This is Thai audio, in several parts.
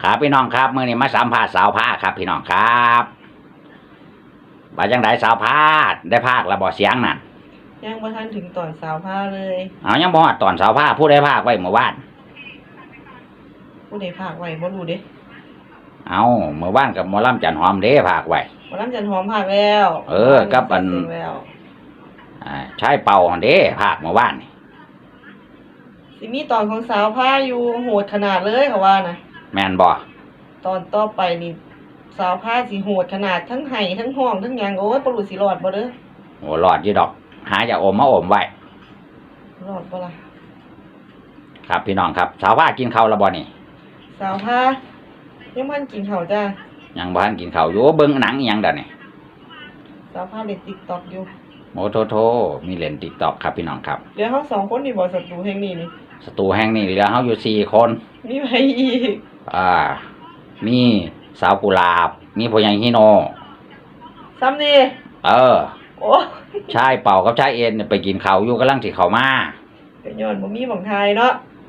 ครับพี่น้องครับมื้อนี้มาสัมภาษณ์สาวผ้าครับพี่น้องครับว่าจังไดสาวผ้าได้ภาคแล้วบ่เสียงนั่นยังบ่ทันถึงตอนสาวผ้าเลยเอายังบ่ฮอดตอนสาวผ้าผู้ใดภาคไว้เมื่อวานผู้ใดภาคไว้บ่รู้เด้เอาเมื่อวานกับหมอลำจันหอมเด้ภาคไว้หมอลำจันหอมภาคแล้วกับอันชายเป่าหั่นเด้ภาคเมื่อวานนี่สิมีตอนของสาวผ้าอยู่โหดขนาดเลยเขาว่านะแม่นบ่ตอนต่อไปนี่สาวผ้าสิโหดขนาดทั้งไห้ทั้งห้องทั้งหยังโอ้ยบ่รู้สิรอดบ่เด้อโอ้รอดอยู่ดอกหาอย่าอมมาอมไว้รอดบ่ล่ะครับพี่น้องครับสาวผ้ากินข้าวแล้วบ่นี่สาวผ้ายังบ่ทันกินข้าวจ้ายังบ่ทันกินข้าวอยู่เบิ่งหนังอีหยังเด้อนี่สาวผ้าเล่น TikTok อยู่โอ้โธมีเล่น TikTok ครับพี่น้องครับเดี๋ยวเฮา2คนนี่บ่ศัตรูแห่งนี้นี่ศัตรูแห่งนี้เหลือเฮาอยู่4คนมีไผอีกมีสาวกุหลาบมีพ่อใหญ่ฮิโนซ้ำนี่โอ้ชายเป่ากับชายเอ็นไปกินข้าวอยู่กำลังสิเข้ามาก็ย้อนบ่มีหม่องทายเนาะ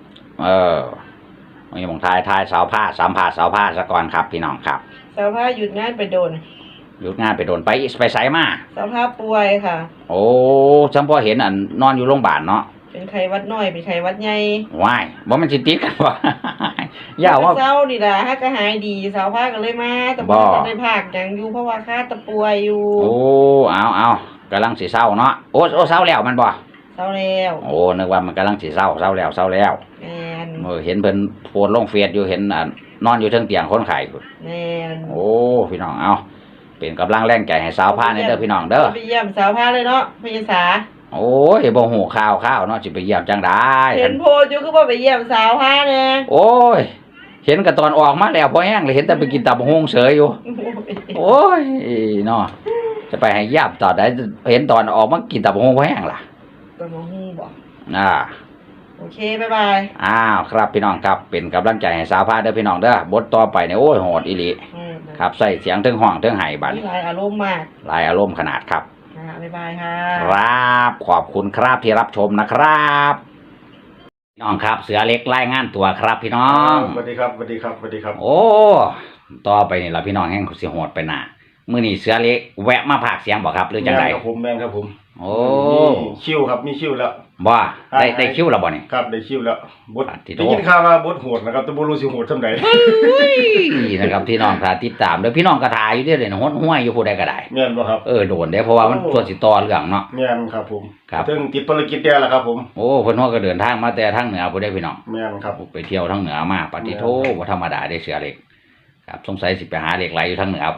มีหม่องทายสาวผ้าสัมภาษณ์สาวผ้าซะก่อนครับพี่น้องครับสาวผ้าหยุดงานไปโดนไปไสมาสาวผ้าป่วยค่ะโอ้จำพอเห็นอันนอนอยู่โรงพยาบาลเนาะเป็นไข้หวัดน้อยเป็นไข้หวัดใหญ่ว้ายบ่มันสิติดกันบ่ย่าว่าเศร้านี่ล่ะฮักก็หายดีสาวผ้าก็เลยมาแต่บ่ได้พากหยังอยู่เพราะว่าข้าตะป่วยอยู่โอ้เอากำลังสิเศร้าเนาะโอ้เศร้าแล้วมันบ่เศร้าแล้วโอ้นึกว่ามันกำลังสิเศร้าแล้วแม่นเห็นเพิ่นโพสต์ลงเฟซอยู่เห็นนอนอยู่เทิงเตียงคนไข้แม่นโอ้พี่น้องเอาเป็นกำลังแรงใจให้สาวผ้าในเด้อพี่น้องเด้อไปเยี่ยมสาวผ้าเลยเนาะพี่สาโอ้ยบ่ฮู้ข่าวเนาะสิไปเยี่ยมจังได๋เห็นโพสต์อยู่คือบ่ไปเยี่ยมสาวผ้าแน่โอ้ยเห็นก็ตอนออกมาแล้วพอแห้งเลยเห็นแต่ไปกินตับกหุ่งเฉยอยู่โอ้ยเนาะจะไปให้เยี่ยมตอนใดเห็นตอนออกมากินตับกหุ่งพอแห้งล่ะตับกหุ่งบ่โอเคบ๊ายบายครับพี่น้องครับเป็นกำลังใจให้สาวผ้าเด้อพี่น้องเด้อบทต่อไปเนี่ยโอ้ยโหดอีหลีครับใส่เสียงถึงห้องถึงไห้บัดหลายอารมณ์มากหลายอารมณ์ขนาดครับบ๊ายบายค่ะครับขอบคุณครับที่รับชมนะครับพี่น้องครับเสือเล็กรายงานตัวครับพี่น้องสวัสดีครับโอ้ต่อไปนี่ล่ะพี่น้องแห่งสิโหดไปหน้ามื้อนี้เสือเล็กแวะมาพากเสียงบ่ครับหรือจังได๋แม่นครับผมโอ้คิวครับมีคิวแล้วบ่ได้คิวแล้วบ่นี่ครับได้คิวแล้วบทได้ยินข่าวว่าบทโหดนะครับแต่บ่รู้สิโหดซำใดนะครับพี่น้องถ้าติดตามเด้อพี่น้องก็ถ่ายอยู่เด้อเลยโหดห้วยอยู่ผู้ใดก็ได้แม่นบ่ครับโดนเด้เพราะว่ามันส่วนสิต่อเรื่องเนาะแม่นครับผมถึงติดภารกิจแด่แล้วครับผมโอ้เพิ่นฮอดก็เดินทางมาแต่ทางเหนือผู้ใดพี่น้องแม่นครับไปเที่ยวทางเหนือมาปฏิโทบ่ธรรมดาได้เสือเล็กครับสงสัยสิไปหาเหล็กไหลอยู่ทางเหนือพุ่น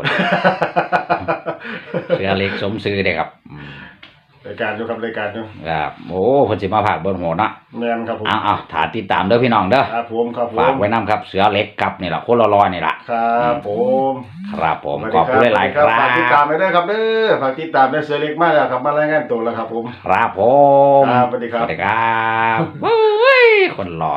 เสือเล็กสมชื่อเด้ครับรายการอยู่ครับโอ้เพิ่นสิมาพากเบิ่งโหเนาะแม่นครับผมเอาถ้าติดตามเด้อพี่น้องเด้อครับผมฝากไว้นำครับเสือเล็กครับนี่ล่ะคนรอๆนี่ล่ะครับผมขอบคุณหลายๆครับฝากติดตามไว้ด้วยครับเด้อฝากติดตามด้วยเสือเล็กมาแล้วครับมารายงานตัวแล้วครับผมครับผมสวัสดีครับเฮ้ยคนรอ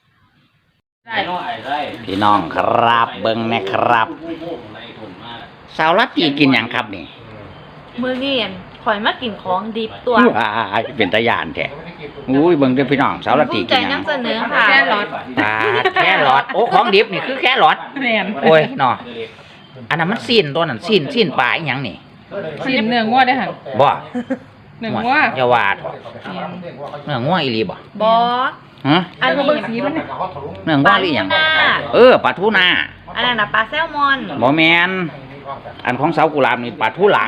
พี่น้องครับเบิ่งนะครับสาวรัตตีกินหยังครับนี่มื้อนี้ข่อยมากินของดิบตัวเป็นตะยานแท้อุ้ยเบิ่งเด้อพี่น้องสาวรัตตีกินหยังนำเสนอค่ะแครอทโอ้ของดิบนี่คือแครอทแม่นโอ้ยเนาะอันนั้นมันซีนตัวนั้นซีนปลาอีหยังนี่ซีนเนื้องัวได้หั่นบ่เนื้องัวอย่าว่าเนื้องัวอีหลีบ่อันนี้เบิ่งสีมันเนื้องัวอีหยังปลาทูน่าอันนั้นน่ะปลาแซลมอนบ่แม่นอันของสาวกุหลาบนี่ปลาทูหลัง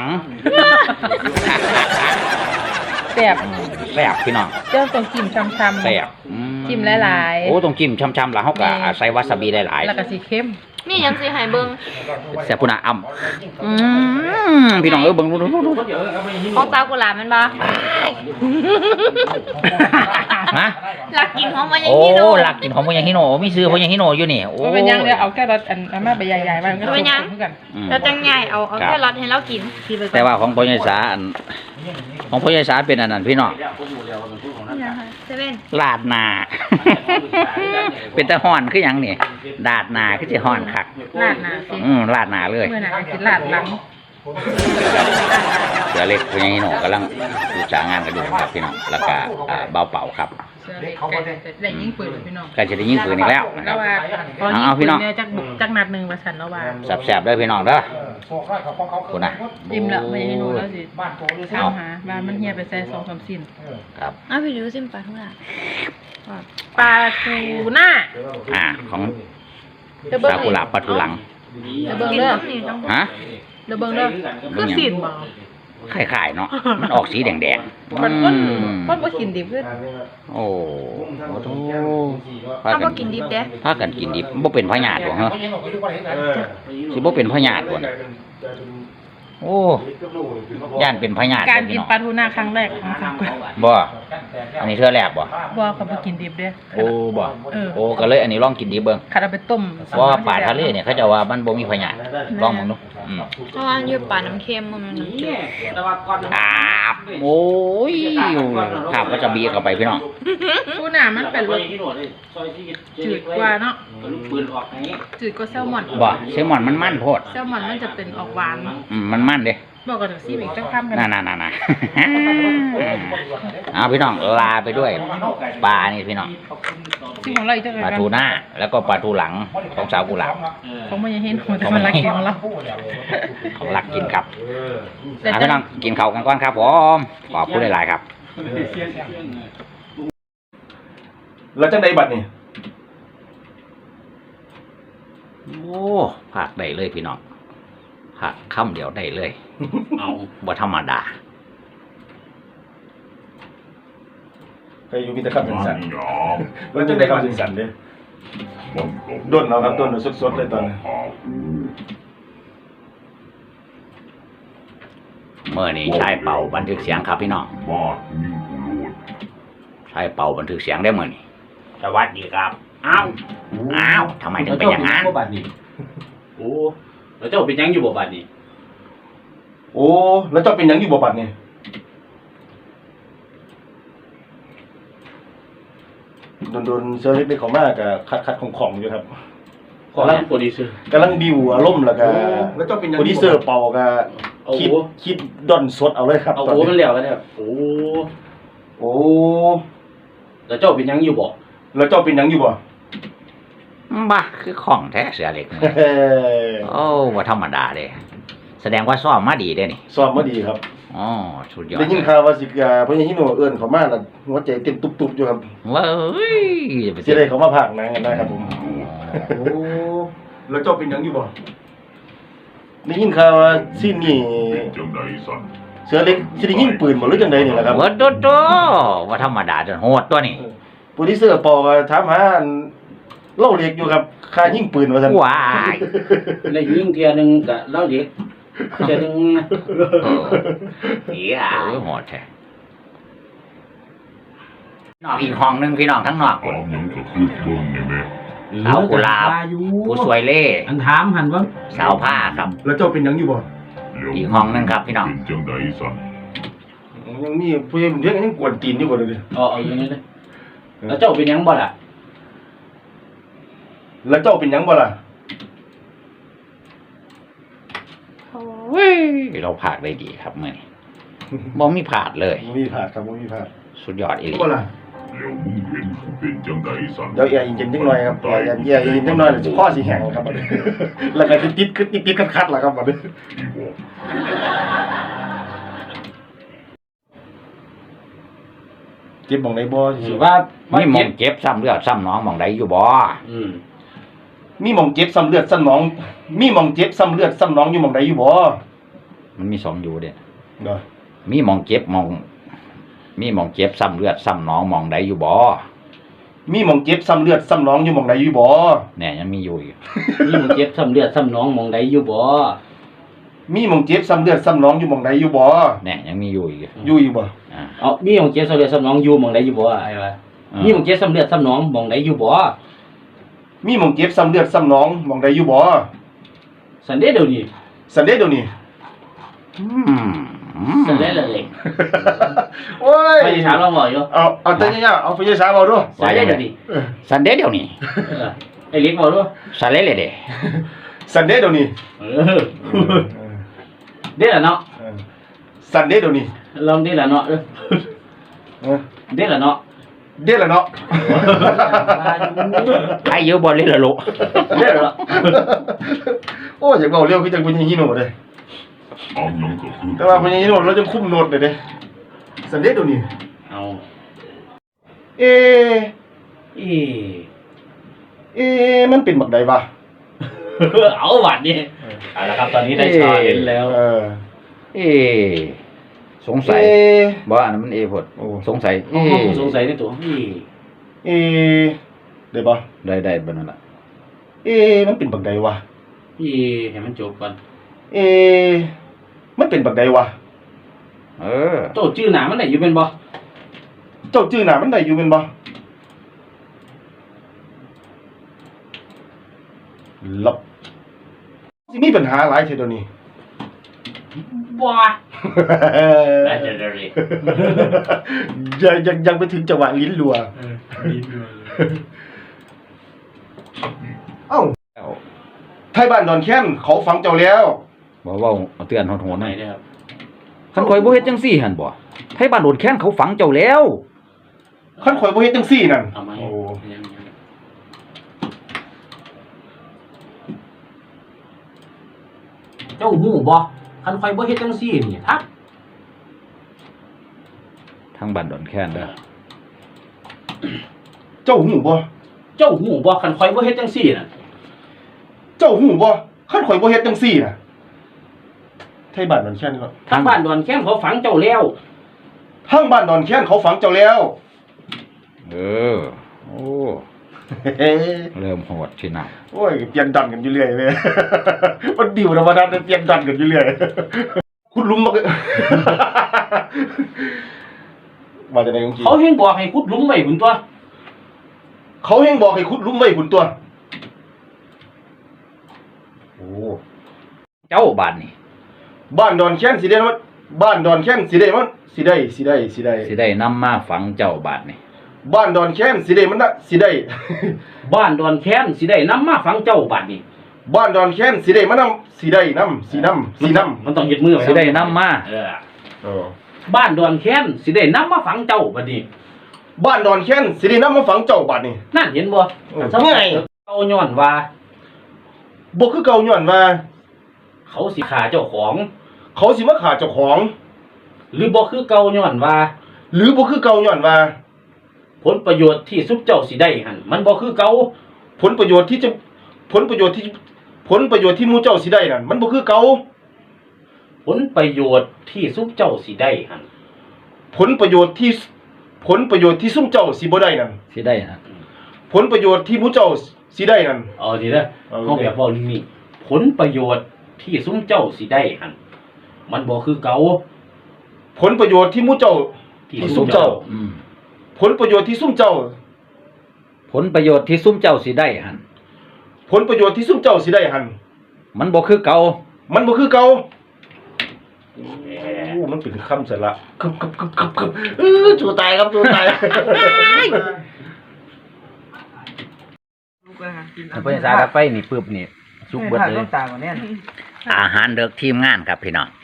แซ่บพี่น้องเจ้าต้องจิ้มช้ำๆแซ่บจิ้มหลายๆโอ้ต้องจิ้มช้ำๆแล้วเฮาก็ใส่วาซาบิหลายๆแล้วก็สิเค็มนี่ยังสิให้เบิ่งแซ่บพุ่นน่ะพี่น้องเบิ่งดูของสาวกุหลาบแม่นบ่ฮะลักกินของมันยังฮิโนลักกินของมันยังฮิโนมีซื้อของยังฮิโนอยู่นี่โอ้เป็นยังเดี๋ยวเอาแค่รสอันมาไปใหญ่ๆมาเป็นยังแล้วจังใหญ่เอาแค่รสให้เรากินแต่ว่าของพ่อใหญ่สาของพ่อใหญ่สาเป็นอันนั้นพี่น้องลาดหน้าเป็นตะฮ้อนคือหยังนี่ลาดหน้าคือสิฮ้อนคักลาดหน้าสิลาดหน้าเลยเมื่อน่ะกินลาดหลังเสือเล็กพ่อใหญ่ฮิโนกำลังศึกษางานกันอยู่ครับพี่น้องแล้วก็เบาเป่าครับเด็กเขาบ่ได้ได้ยิงปืนพี่น้องก็จะได้ยิงปืนอีกแล้วนะคแล้รัวบว่าพอยิงเอาพี่ปืน้นองเนี่ยจักนัดหนึงว่าซั่นแล้วว่าแสบๆเด้อพี่น้องเด้อ คุณน่ะอิ่มแล้วไม่ให้หนูแล้วสิบ้านโตเลยถามหาว่ามันเฮียไปใส่2-3สิ้นครับอ้าวพี่ดูซิมปลาทุกอย่างปลาทูหน้าของเดี๋ยวเบิ่งสากุหลาบปลาทูหลังเดี๋ยวเบิ่งกินเด้อต้องนี่ต้องฮะเดี๋ยวเบิ่งเด้อคือสิ้นบ่คล้ายๆเนาะมันออกสีแดงๆมันคนบ่กินดิบคือโอ้โหพาถ้ากับ่นกินดิบเด้พากันกินดิบบ่เป็นพญาติบ่ฮะสิบ่เป็นพญาติบ่น่ะโอ้ย่านเป็นพญาติการบ่กิพี่นน้องปลาทูน่าครั้งแรกของสาวกวนบ่อันนี้เทื่อแรกบ่บ่เขาบ่กินดิบเด้อโอ้บ่เออโอ้ก็เลยอันนี้ลองกินดิบเบิ่งคันเอาไปต้มเพราะว่าปลาทะเลเนี่ยเขาจะว่ามันบ่มีพญาธิลองมึงดูเพราะว่าอยู่ปลาน้ำเค็มมันน้ำจืดครับโอ้ยครับก็จะบีเข้าไปพี่น้องทูน่ามันเป็นรสจืดกว่าเนาะจืดกว่าแซลมอนบ่แซลมอนมันมันโพดแซลมอนมันจะเป็นออกหวานมันมันเด้บอกกันซิอีกจังคำกันน่ะเอาพี่น้องลาไปด้วยปลานี่พี่น้องที่ของเราอีกจังปลาทูน่าแล้วก็ปลาทูหลังของสาวกุหลาบของมันยังเห็นหัวแต่มันรักกินของเราของรักกินครับพี่น้องกินข้าวกันก่อนครับผมขอบคุณหลายๆครับแล้วจังไดบัดนี่โอ้ผักได้เลยพี่น้องผักคำเดียวได้เลย เอาบ่ธรรมดาใครอยู่มีแต่คำเป็นสันแล้วจังไดคำเป็นสันเด้ด้นเอาครับด้นเอาสดๆเลยตอนนี้เมื่อนี้ชายเป่าบันทึกเสียงครับพี่น้องชายเป่าบันทึกเสียงได้เมื่อนี้สวัสดีครับอ้าวทำไมถึงเป็นอย่างนั้นโอ้แล้วเจ้าเป็นยังอยู่บ่บัดนี้โอ้แล้วเจ้าเป็นหยังอยู่บ่บัดนี่โดนเซอร์เล็กได้เข้ามาก็คัดของอยู่ครับขอรับโปรดิวเซอร์กำลังดิวอารมณ์แล้วก็แล้วเจ้าเป็นหยังโปรดิวเซอร์เป่าก็คิดดอนสดเอาเลยครับเอาตอนโอ้นี้มันแล้วกันเนี่ยโอ้โอ้แล้วเจ้าเป็นยังอยู่บ่แล้วเจ้าเป็นหยังอยู่บ่บ้าคือของแท้เสือเหล็กนี่เฮ้ยโอ้ว่าธรรมดาเด้แสดงว่าซ้อมมาดีเด้นี่ซ้อมมาดีครับอ๋อสุดยอดได้ยินข่าวว่าสิพญาฮิโนเอิ้นเขามาแล้วหัวใจเต้นตุบๆอยู่ครับเว้ยสิได้เขามาพากย์หนังกันนะครับผมโอ้แล้วเจ้าเป็นหยังอยู่บ่ได้ยินข่าวว่าซีนนี่เสือเล็กสิได้ยิงปืนบ่หรือจังไดนี่ล่ะครับเวิร์ดโดโดว่าธรรมดาจนโหดตัวนี้โปรดิวเซอร์ปอก็ถามหาอันเล่าเล็กอยู่ครับค่ายิงปืนว่าซั่นว้ายได้ยิงเทียหนึงก็เล่าเด็กเทียหนึงเหี้ยโหดแท้นอกอีกห้องหนึงพี่น้องทั้งนอกคนสาวกุหลาบผู้สวยเล่อันถามหันว่าสาวผ้าครับแล้วเจ้าเป็นหยังอยู่บ่อีกห้องหนึงครับพี่น้องยังมีผู้ใหญ่เรียกยังกวนตีนอยู่บ่เด้อเอาอย่างนี้เลยแล้วเจ้าเป็นยังบ่ล่ะแล้วเจ้าเป็นหยังบ่ล่ะเราผากได้ดีครับเมื่อนี้บ่มีผาดเลยบ่มีพลาดครับบ่มีพลาดสุดยอดอีหลีบ่ล่ะเดี๋ยวแอร์เย็นๆจังหน่อยครับแอร์เย็นจังหน่อยแล้วสิคอสิแห้งครับบัดนี้ แล้วก็สิติดคัดๆล่ะครับบัดนี้เจ็บบ่งใดบ่ถือว่ามีหมองเจ็บซ้ำเลือดซ้ำหนองหมองใดอยู่บ่อืมมีหม่องเจ็บซ้ำเลือดซ้ำหนองมีหม่องเจ็บซ้ำเลือดซ้ำหนองอยู่หม่องใดอยู่บ่มันมีสองอยู่เด้เด้อมีหมองเจ็บหมองมีหมองเจ็บซ้ำเลือดซ้ำหนองหมองใดอยู่บ่มีหม่องเจ็บซ้ำเลือดซ้ำหนองอยู่หม่องใดอยู่บ่แน่ยังมีอยู่อีกนี่มันเจ็บซ้ำเลือดซ้ำหนองหมองใดอยู่บ่มีหม่องเจ็บซ้ำเลือดซ้ำหนองอยู่หม่องใดอยู่บ่แน่ยังมีอยู่อีกอยู่บ่อ่าเอามีหมองเจ็บซ้ำเลือดซ้ำหนองอยู่หมองใดอยู่บ่ไอ้วะมีหมองเจ็บซ้ำเลือดซ้ำหนองหมองใดอยู่บ่มีหม่องเจ็บซ้ำเลือดซ้ำหนองหม่องใดอยู่บ่สันเดย์เดี๋ยวนี้สันเดย์เดี๋ยวนี้สันเดย์เลยโอ้ยไม่ได้ถามเราบ่อยู่เอาแต่ยาวๆเอาไฟฉายเอาดูสันเดย์เดี๋ยวนี้สันเดย์เดี๋ยวนี้ไอ้เล็กบ่รู้สันเลเลยเด้สันเดย์เดี๋ยวนี้เออเด้อละเนาะสันเดย์เดี๋ยวนี้ลองเด้อละเนาะเด้อละเนาะเด็ดแล้วเนาะไอ้เยอะบ่เลยละโลเด็ดแล้วโอ้อยากบอกเร็วคือจังพญาฮิโนะเลยแต่ว่าพญาฮิโนะเราจะคุมโนดเลยเด้สันเด็ดตัวนี้เอาเอเอเอมันเป็นบักใดวะเอาหวัดนี่เอาละครับตอนนี้ได้ชาเห็นแล้วเอสงสัยเอบ่อันนั้นมันเอพดโอ้สงสัยห้องสงสัยในตัวเอเอได้ปะได้บ่นั่นล่ะเอมันเป็นบักใดวะเอให้มันจบก่อนเอมันเป็นบักใดวะเออโตชื่อหนามันไหนอยู่เป็นบ่เจ้าชื่อหนามันได้อยู่เป็นบ่ลับสิมีปัญหาหลายเท่าเดี๋ยวนี้ว้าได้จะได้เลยยังไปถึงจังหวะลิ้นรัวเอ้าไทยบ้านดอนแค้นเขาฝังเจ้าแล้วบ่เว้าเอาเตือนโหดๆไหนหน่อยได้ครับคันข่อยบ่เฮ็ดจังซี่หั่นบ่ไทบ้านโดนแค้นเขาฝังเจ้าแล้วคันข่อยบ่เฮ็ดจังซี่นั่นเอาไหมโอ้เจ้าหูบ่คันคอยบ่เฮ็ดจังซี่นี่ทักทางบ้านโดนแค้นเด้อเจ้าหูบ่เจ้าหูบ่คันคอยบ่เฮ็ดจังซี่น่ะเจ้าหูบ่คันข่อยบ่เฮ็ดจังซี่น่ะไทยบ้านดอนแค้นครับทางบ้านดอนแค้นเขาฝังเจ้าแล้วทางบ้านดอนแค้นเขาฝังเจ้าแล้วเออโอ้เฮ้เริ่มโหดสินะโอ้ยเปลี่ยนดันกันอยู่เรื่อยเลย มันดิวธรรมดาเปลี่ยนดันกันอยู่เรื่อย คุณลุงมามาจากไหนของจีเขาเฮงบอกให้ขุดหลุมไว้พุ่นตัวเขาเฮงบอกให้คุณลุงไว้คุณตัวโอ้เจ้าบ้านนี่บ้านดอนแค้นสิได้มั้ยบ้านดอนแค้นสิได้มั้ยสิได้สิได้นำมาฝังเจ้าบ้านนี่บ้านดอนแค้นสิได้มันน่ะสิได้บ้านดอนแค้นสิได้นำมาฝังเจ้าบัดนี้บ้านดอนแค้นสิได้มันนำสิได้นำสินำมันต้องเฮ็ดมือไว้สิได้นำมาเออเออบ้านดอนแค้นสิได้นำมาฝังเจ้าบัดนี้บ้านดอนแค้นสิได้นำมาฝังเจ้าบัดนี่นั่นเห็นบ่เออสมัยเก่าย้อนว่าบ่คือเก่าย้อนว่าเขาสิฆ่าเจ้าของเขาสิมาฆ่าเจ้าของหรือบ่คือเก่าย้อนว่าหรือบ่คือเก่าย้อนว่าผลประโยชน์ที่ซุปเจ้าสิได้หั่นมันบ่คือเก่าผลประโยชน์ที่หมู่เจ้าสิได้นั่นมันบ่คือเก่าผลประโยชน์ที่ซุปเจ้าสิได้หั่นผลประโยชน์ที่ซุมเจ้าสิบ่ได้นั่นสิได้นะผลประโยชน์ที่หมู่เจ้าสิได้นั่นเอาดีเด้อเอาเฮาแบบเว้านี่ผลประโยชน์ที่ซุมเจ้าสิได้หั่นมันบ่คือเก่าผลประโยชน์ที่หมู่เจ้า ที่ซุมเจ้าอืมผลประโยชน์ที่ซุมเจ้าผลประโยชน์ที่ซุมเจ้าสิได้หั่นผลประโยชน์ที่ซุมเจ้าสิได้หั่นมันบ่คือเก่ามันบ่คือเก่าโอ้มันเป็นคำสละคึบจู่ตายครับจู่ตายลูกอะค่ะกินเพิ่นสาดไฟนี่ปึ๊บนี่สุกเบิดเลยตากว่าแน่นอาหารเด็กทีมงานครับพี่น้อง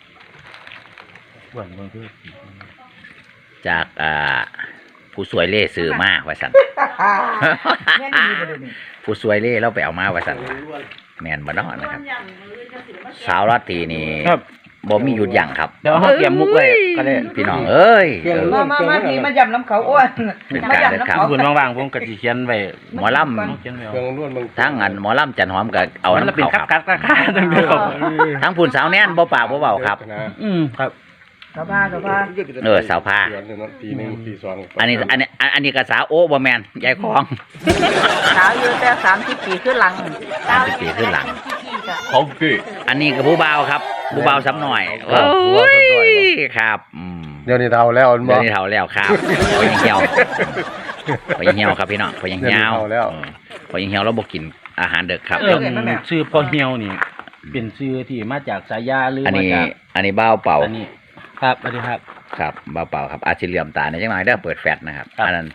จากผู้สวยเล่ซื้อมาว่าซั่นแม่นดีบ่เดี๋ยวนี้ผู้สวยเล่เราไปเอามาว่าซั่นว่าแม่นบ่เนาะนะครับ สาวราตรีนี่บ่มีหยุดยั้งครับเดี๋ยวเฮาเตรียมมุกไว้ก็ได้พี่น้องเอ้ยมาพี่มายำน้ำเขาโอ้ยเป็นมาการยำเดินน้ำทางเขาคุณว่างๆผมก็สิเขียนไว้หมอลเขียนไว้เครื่องล้วนมึงำทั้งอันหมอลำจันหอมก็เอามันน้ำเป็นเขาคัครับกๆจังเด้อทั้งผู้สาวแน่นบ่ปากบ่เว้าครับครับกระพากระพาสาวผ้าปีนึงปีสองอันนี้ก็สาวโอ้บ่แม่นยายของสาวอยู่แต่30 ปีขึ้นหลังปีขึ้นหลังของพี่อันนี้ก็ผู้บ่าวครับผู้บ่าวซ้ำหน่อยโอ้ยครับเดี๋ยวนี้เฒ่าแล้วเดี๋ยวนี้เฒ่าแล้วครับพอยังเหี่ยวพอยังเหี่ยวครับพี่น้องพอยังเหี่ยวพอยังเหี่ยวเราบ่กินอาหารดึกครับชื่อพ่อเหี่ยวนี่เป็นชื่อที่มาจากสายาหรืออันมานี้จากอันนี้บ้าวเป่าอันนี้ครับสวัสดีครับครับบ้าวเป่าครับอาจสิเหลื่อมตาในจังหน่อยเด้อเปิดแฟลชนะครับครับอันนั้น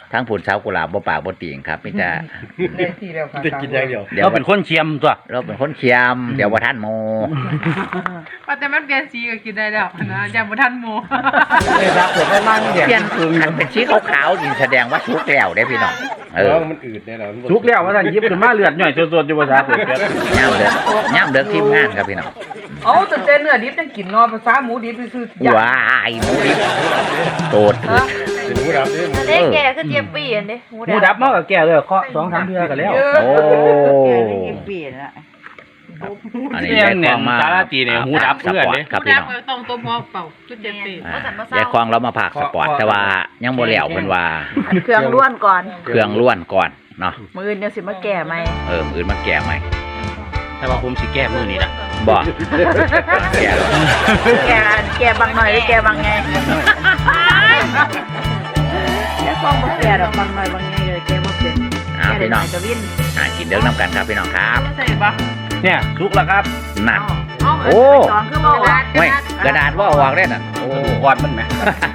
ทั้งผุนสาวกุหลาบบ่ปากบ่ติ่งครับมีแต่ได้ทีแล้วค่ะจะกินอย่างเดียวเดี๋ยวเราเป็นคนเชียมตัวเราเป็นคนเคียมเดี๋ยวบ่ทันโมว่าแต่มันเปลี่ยนสีก็กินได้แล้วนะยังบ่ทันหมูเลยครับผมได้มั่งเปลี่ยนคันเป็นสีขาวๆนี่แสดงว่าสุกแล้วเด้พี่น้องมันอืดแน่นอนทุกแล้วว่าท่านยิบขึ้นมาเลือดหน่อยสดๆอยู่ภาษาเกิดย่ามเด้อทีมงานครับพี่น้องเอาแต่เนื้อดิบยังกินเนาะภาษาหมูดิบซื่อๆว้ายหมูดิบโตดเป็นหมูดำเนี่ยอันนี้แกคือเจี๊ยบปีอันเด้หมูดับมากับแก่เลยเคาะ2-3เทื่อกันแล้วโอ้เปลี่ยนละอันนี้ยายควงมาสาราตีเนี่ยหูดับเพื่อนเด้ครับพี่น้องต้องตัวพอเป่าคือเจี๊ยบปียายควงเรามาผากสปอร์ตแต่ว่ายังบ่แล้วเพิ่นว่าเครื่องล้วนก่อนเครื่องล้วนก่อนเนาะมื้ออื่นยังสิมาแก่ไหมมื้ออื่นมาแก้ใหม่แต่ว่าผมสิแก้มือนี่ละบ่แก้แล้วแก่บางหน่อยหรือแก่บางไงแก่ฟองบ่แก่ดอกบางหน่อยบางไงเลยแก่บ่เป็นพี่น้องจะวินกินเด้อน้ำกันครับพี่น้องครับใส่ปะเนี่ยสุกแล้วครับนั่นโอ้สองคือบ่ว่าเว้ยกระดาษว่าออกได้น่ะโอ้อ่อนมันไหม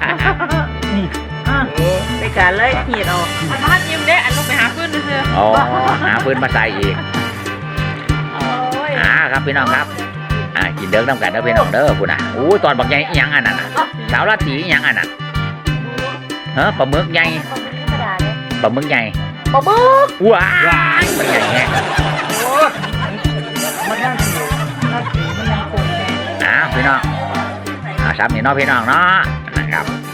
ไปกันเลยหีดเอาอันพัดยิ้มเด้อันลงไปหาพื้นซื่ออ๋อหาปืนมาใส่อีกครับพี่น้องครับกินเด้อน้ำกันเด้อพี่น้องเด้อคุณน่ะอู้ตอนบักใหญ่อีหยังอันนั้นน่ะสาวราตรีอีหยังอันนั้นปลาหมึกใหญ่ปลาหมึกใหญ่ปลาหมึกว้ายมันใหญ่แฮะมันยังสิมันยังคงพี่น้องสามนี่เนาะพี่น้องเนาะนะครับ